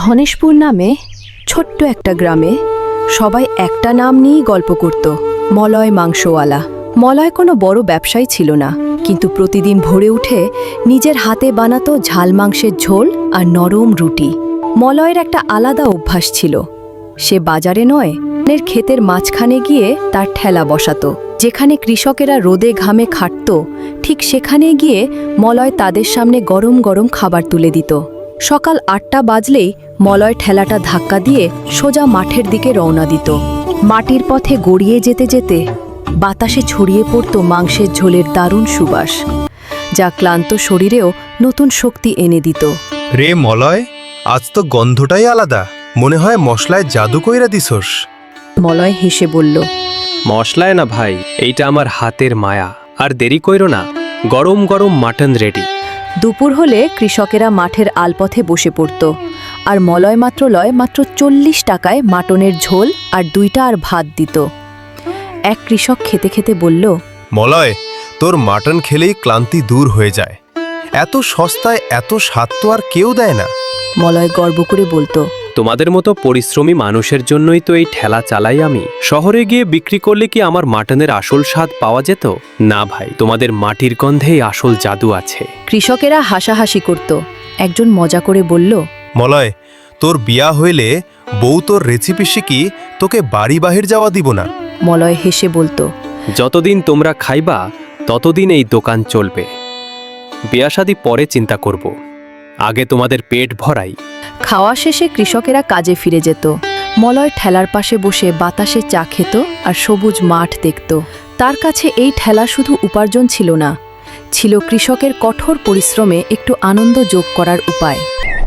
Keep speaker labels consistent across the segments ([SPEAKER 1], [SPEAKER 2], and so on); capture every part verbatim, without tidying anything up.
[SPEAKER 1] ধনেশপুর নামে ছোট্ট একটা গ্রামে সবাই একটা নাম নিয়েই গল্প করত, মলয় মাংসওয়ালা। মলয় কোনো বড় ব্যবসায়ী ছিল না, কিন্তু প্রতিদিন ভোরে উঠে নিজের হাতে বানাতো ঝাল মাংসের ঝোল আর নরম রুটি। মলয়ের একটা আলাদা অভ্যাস ছিল, সে বাজারে নয়, এর ক্ষেতের মাঝখানে গিয়ে তার ঠেলা বসাতো। যেখানে কৃষকেরা রোদে ঘামে খাটত, ঠিক সেখানে গিয়ে মলয় তাদের সামনে গরম গরম খাবার তুলে দিত। সকাল আটটা বাজলেই মলয় ঠেলাটা ধাক্কা দিয়ে সোজা মাঠের দিকে রওনা দিত। মাটির পথে গড়িয়ে যেতে যেতে বাতাসে ছড়িয়ে পড়ত মাংসের ঝোলের দারুণ সুবাস, যা ক্লান্ত শরীরেও নতুন শক্তি এনে দিত।
[SPEAKER 2] রে মলয়, আজ তো গন্ধটাই আলাদা, মনে হয় মশলায় জাদু কইরা দিছস।
[SPEAKER 1] মলয় হেসে বলল,
[SPEAKER 3] মশলায় না ভাই, এইটা আমার হাতের মায়া। আর দেরি কইরো না, গরম গরম মাটন রেডি।
[SPEAKER 1] দুপুর হলে কৃষকেরা মাঠের আলপথে বসে পড়ত, আর মলয় মাত্র লয় মাত্র চল্লিশ টাকায় মাটনের ঝোল আর দুইটা আর ভাত দিত। এক কৃষক খেতে খেতে বলল,
[SPEAKER 2] মলয়, তোর মাটন খেলেই ক্লান্তি দূর হয়ে যায়। এত সস্তায় এত স্বাদ তো আর কেউ দেয় না।
[SPEAKER 1] মলয় গর্ব করে বলতো,
[SPEAKER 3] তোমাদের মতো পরিশ্রমী মানুষের জন্যই তো এই ঠেলা চালাই আমি। শহরে গিয়ে বিক্রি করলে কি আমার মাটনের আসল স্বাদ পাওয়া যেত? না ভাই, তোমাদের মাটির গন্ধেই আসল জাদু আছে।
[SPEAKER 1] কৃষকেরা হাসাহাসি করত। একজন মজা করে বলল,
[SPEAKER 2] মলয়, তোর বিয়া হইলে বউ তোর রেসিপি শিখি তোকে বাড়ি বাহির যাওয়া দিব না।
[SPEAKER 1] মলয় হেসে বলতো,
[SPEAKER 3] যতদিন তোমরা খাইবা ততদিন এই দোকান চলবে। বিয়া শাদী পরে চিন্তা করব, আগে তোমাদের পেট ভরাই।
[SPEAKER 1] খাওয়া শেষে কৃষকেরা কাজে ফিরে যেত। মলয় ঠেলার পাশে বসে বাতাসে চা খেত আর সবুজ মাঠ দেখত। তার কাছে এই ঠেলা শুধু উপার্জন ছিল না, ছিল কৃষকের কঠোর পরিশ্রমে একটু আনন্দ যোগ করার উপায়।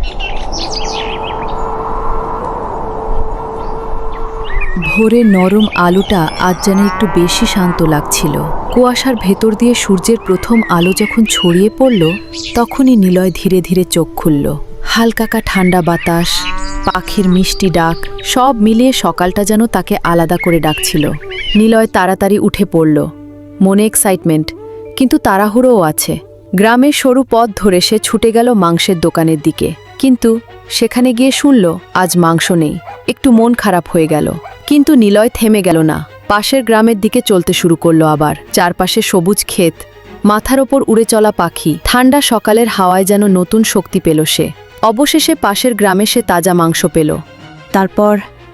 [SPEAKER 1] ভোরে নরম আলোটা আজ যেন একটু বেশি শান্ত লাগছিল। কুয়াশার ভেতর দিয়ে সূর্যের প্রথম আলো যখন ছড়িয়ে পড়ল, তখনই নিলয় ধীরে ধীরে চোখ খুলল। হালকাকা ঠান্ডা বাতাস, পাখির মিষ্টি ডাক, সব মিলিয়ে সকালটা যেন তাকে আলাদা করে ডাকছিল। নিলয় তাড়াতাড়ি উঠে পড়ল, মনে এক্সাইটমেন্ট, কিন্তু তাড়াহুড়োও আছে। গ্রামের সরু পথ ধরে সে ছুটে গেল মাংসের দোকানের দিকে, কিন্তু সেখানে গিয়ে শুনল আজ মাংস নেই। একটু মন খারাপ হয়ে গেল, কিন্তু নিলয় থেমে গেল না। পাশের গ্রামের দিকে চলতে শুরু করলো আবার। চারপাশে সবুজ ক্ষেত, মাথার ওপর উড়ে চলা পাখি, ঠান্ডা সকালের হাওয়ায় যেন নতুন শক্তি পেল সে। অবশেষে পাশের গ্রামে সে তাজা মাংস পেল। তারপর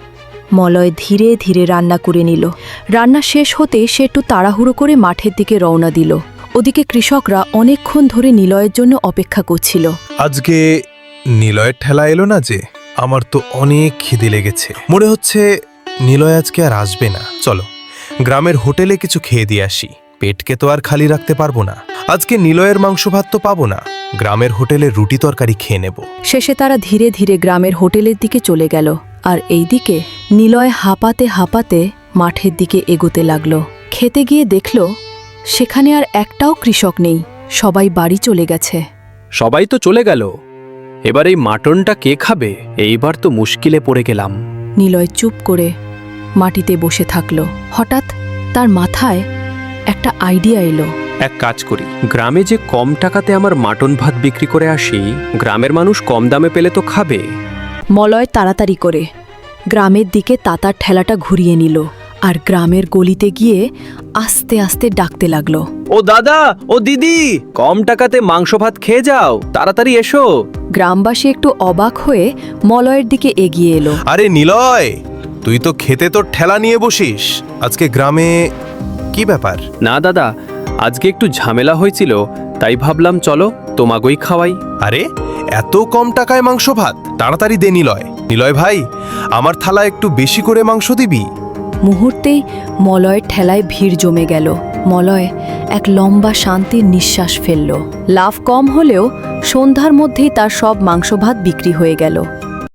[SPEAKER 1] মলয় ধীরে ধীরে রান্না করে নিল। রান্না শেষ হতে সে একটু তাড়াহুড়ো করে মাঠের দিকে রওনা দিল। ওদিকে কৃষকরা অনেকক্ষণ ধরে নিলয়ের জন্য অপেক্ষা করছিল।
[SPEAKER 2] আজকে নিলয়ের ঠেলা এলো না যে, আমার তো অনেক খিদে লেগেছে। মনে হচ্ছে নিলয় আজকে আর আসবে না। চলো গ্রামের হোটেলে কিছু খেয়ে দিয়ে আসি, পেটকে তো আর খালি রাখতে পারবো না। আজকে নিলয়ের মাংস ভাত তো পাবো না, গ্রামের হোটেলে রুটি তরকারি খেয়ে নেব।
[SPEAKER 1] শেষে তারা ধীরে ধীরে গ্রামের হোটেলের দিকে চলে গেল, আর এইদিকে নিলয় হাঁপাতে হাঁপাতে মাঠের দিকে এগোতে লাগলো। খেতে গিয়ে দেখল সেখানে আর একটাও কৃষক নেই, সবাই বাড়ি চলে গেছে।
[SPEAKER 3] সবাই তো চলে গেল, এবার এই মাটনটা কে খাবে? এইবার তো মুশকিলে পড়ে গেলাম।
[SPEAKER 1] নিলয় চুপ করে মাটিতে বসে থাকল। হঠাৎ তার মাথায় একটা আইডিয়া এলো।
[SPEAKER 3] এক কাজ করি, গ্রামে যে কম টাকাতে আমার মাটন ভাত বিক্রি করে আসি, গ্রামের মানুষ কম দামে পেলে তো খাবে।
[SPEAKER 1] মলয় তাড়াতাড়ি করে গ্রামের দিকে তাতার ঠেলাটা ঘুরিয়ে নিল, আর গ্রামের গলিতে গিয়ে আস্তে আস্তে ডাকতে লাগলো,
[SPEAKER 3] ও দাদা, ও দিদি, কম টাকাতে মাংস ভাত খেয়ে যাও, তাড়াতাড়ি এসো।
[SPEAKER 1] গ্রামবাসী একটু অবাক হয়ে মলয়ের দিকে এগিয়ে এলো।
[SPEAKER 2] আরে নিলয়, তুই তো খেতে তোর ঠেলা নিয়ে বসিস, আজকে গ্রামে কি ব্যাপার?
[SPEAKER 3] না দাদা, আজকে একটু ঝামেলা হয়েছিল, তাই ভাবলাম চলো তোমাগোই খাওয়াই।
[SPEAKER 2] আরে এত কম টাকায় মাংস ভাত? তাড়াতাড়ি দে নিলয়। নিলয় ভাই, আমার থালা একটু বেশি করে মাংস দিবি।
[SPEAKER 1] মুহূর্তেই মলয়ের ঠেলায় ভিড় জমে গেল। মলয় এক লম্বা শান্তির নিঃশ্বাস ফেলল। লাভ কম হলেও সন্ধ্যার মধ্যেই তার সব মাংস ভাত বিক্রি হয়ে গেল।